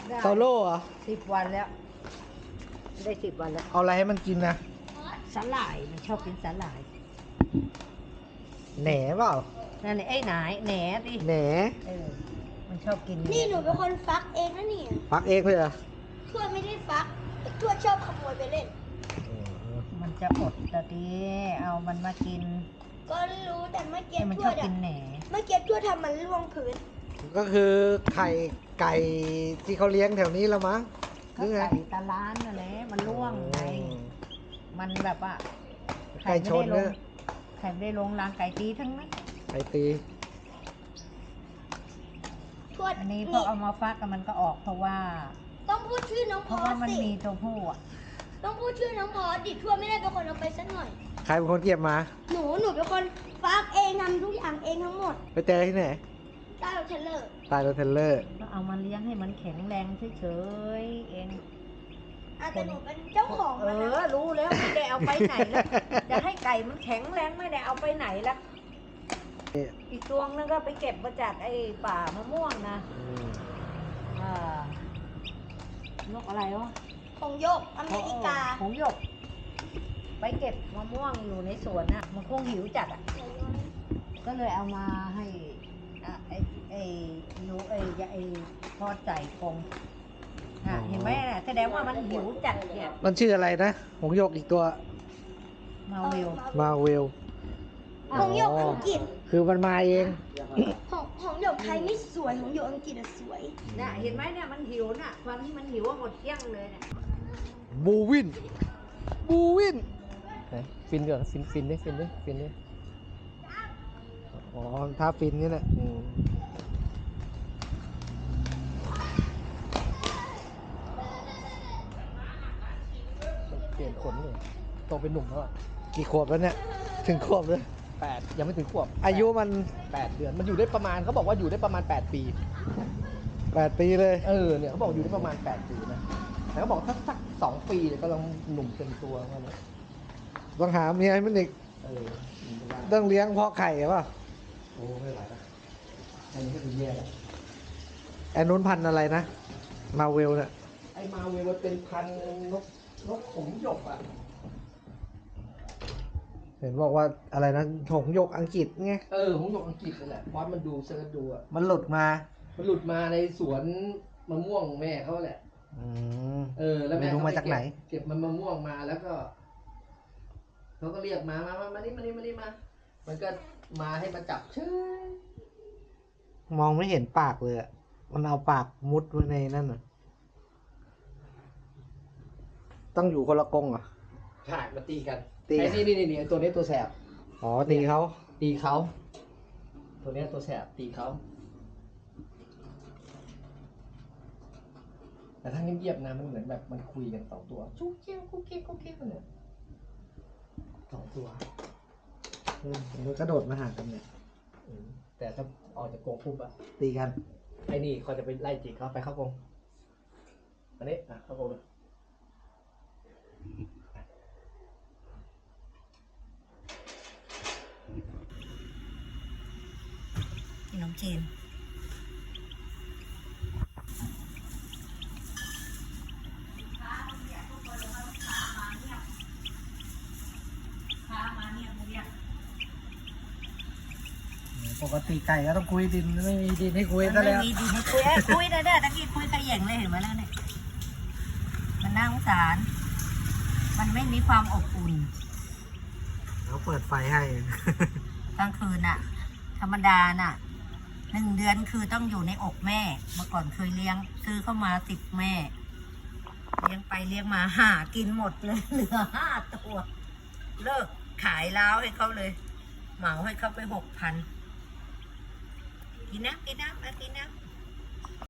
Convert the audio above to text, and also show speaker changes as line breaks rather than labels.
โซโล่เหรอ
10 วันแล้วได้10 วันแล้ว
เอาอะไรให้มันกินนะ
สาหร่ายมันชอบกินสาหร่าย
แหนเปล่า
นั่นไอ้หนายแหนดิ
แหน
มันชอบกิน
นี่หนูเป็นคนฟักเองนะนี่
ฟักเองเลยเหรอ
ทวดไม่ได้ฟักทวดชอบขโมยไปเล่น
มันจะอดแต่ดีเอามันมากิน
ก็รู้แต่เมื่อกี้
มัน
ท
ช
ว
อบ
ด
กิ
อะ
นแหน
เมื่อกี้ทวดทำมันร่วงพื้น
ก็คือไข่ไก่ที่เขาเลี้ยงแถวนี้ละมั้งห
ก็
รือไง
ไก่ตาล้านนั่นแหละมันร่วงไงมันแบบว่า
ไก่ชน
ล
เนี่ย
งไข่ไม่ได้ลงรางไก่ตีทั้งนั้น
ไก่ตี
ทวด
อันนี้พอเอามาฟักกันมันก็ออกเพราะว่า
ต้องพูดชื่อน้อง
เพ
พ
ราะ
อ
ว่า
ส
มัน
สิ
มีตัวผู้อ่ะ
ต้องพูดชื่อน้องพอสดิทวดไม่ได้เป็นคนเอาไปสักหน่อย
ใครเป็นคนเก็บมา
หนูเป็นคนฟักเองทำทุกอย่างเองทั้งหมด
ไปเจอที่ไหน
ใต้รถเทรลเลอร์
ใตายรถเทรลเลอร์
ก็เอามาเลี้ยงให้มันแข็งแรงเฉยๆเอง
แต่หนูเป็นเจ้าของมันนะ
รู้แล้วไม่ได้เอาไปไหนแล้วจะให้ไก่มันแข็งแรงไม่ได้เอาไปไหนละอีกตัวนึงก็ไปเก็บมาจากไอ้ป่ามะม่วงนะนกอะไรวะ
ของโยกอเมริกา
ของหยก ไปเก็บมะม่วงอยู่ในสวนน่ะ มันคงหิวจัดอ่ะ ก็เลยเอามาให้ไอ้ยูไอ้ทอดใส่กรงเห็นไหมน่ะแสดงว่ามันหิวจัดเนี่ย
มันชื่ออะไรนะหงส์หยกอีกตัว
มาวิว
มาเวล
ของโยกอังกฤษ
คือมันมาเอง
ของโยกไทยไม่สวยของโยกอังกฤษอะสวย
น่ะเห็นไหมเนี่ยมันหิวน่ะตอนที่มันหิวหมดเที่ยงเลยเนี่ย
บูวิน บูวิน
ฟินก่อนฟินดิ
อ๋อท่าฟินนี่แหละ
เปลี่ยนขนเลยโตเป็นหนุ่มแล้วอ่ะ
กี่ขวบแล้วเนี่ย ถึงขวบเลย
8 ยังไม่ถึงขวบ
อายุมัน
8 เดือนมันอยู่ได้ประมาณเขาบอกว่าอยู่ได้ประมาณ8 ปี
8 ปีเลย
เนี่ยเขาบอกอยู่ได้ประมาณ8 ปีนะแต่เขาบอกถ้าสัก2 ปีเนี่ยก็ลองหนุ่มเต็มตัวเขาเนี่ย
ต้องหาเมียให้มันอีก
หนุ่มเป็นล้าน
ต้องเลี้ยงเพาะไข่หรือเปล่า
โอ้ไม่ไหวแล้วอันนี้ก็คือแย่แล้ว
ไอ้นู้นพันธุ์อะไรนะ มาเวลเนี่ย
ไอ้มาเวลมันเป็นพันธุ์นกขมหยกอ่ะ
เห็นบอกว่าอะไรนะหงส์หยกอังกฤษไง
หงหยกอังกฤษนั่นแหละพอมันดูเซิร์ชดูอ่ะ
มันหลุดมา
มันหลุดมาในสวนมะม่วงแม่เขาแหละ
อืม
แล้วแม่
ไม่รู้
เขา
มาจากไหน
เก็บมันมะม่วงมาแล้วก็เขาก็เรียกมานี่มา มันก็มาให้มาจับเชื่อ
มองไม่เห็นปากเลยอะมันเอาปากมุดไว้ในนั่นน่ะ ต้องอยู่คนละกรงเหรอ
ใช่มาตีกัน
ตี
ไอ้นี่ตัวนี้ตัวแสบ
อ๋อ ตีเขา
ตีเขาตัวนี้ตัวแสบตีเขาแต่ถ้าเงียบๆนะมันเหมือนแบบมันคุยกัน2 ตัวจุ๊กเกี้ยวกุ๊กกิ๊กเนี่ย2 ตัว
มันกระโดดมาหากันเนี่ย
แต่ถ้าออกจากกรงปุ๊บอะ
ตีกัน
ไอ้นี่เขาจะไปไล่จิกเขาไปเข้ากรงอันนี้เข้ากรงเลย
พี่น้องเจน
ปกติไก่ก็ต้องคุยดินไม่มีดินให้คุยซะ
ไม่
แล้ว
มีดีให้คุยคุยได้เด้อตะกี้คุยขย่งเลยเห็นไหมแล้วเนี่ยมันน่าสงสาร มันไม่มีความอบอุ่น
เขาเปิดไฟให้
กลางคืนน่ะ ธรรมดาน่ะ1 เดือนคือต้องอยู่ในอกแม่ เมื่อก่อนเคยเลี้ยง ซื้อเข้ามา10 แม่ เลี้ยงไปเลี้ยงมาหากินหมดเลย เหลือ5 ตัว เลิกขายล้าวให้เขาเลย เหมาให้เขาไป6,000 กินน้ำมากินน้ำ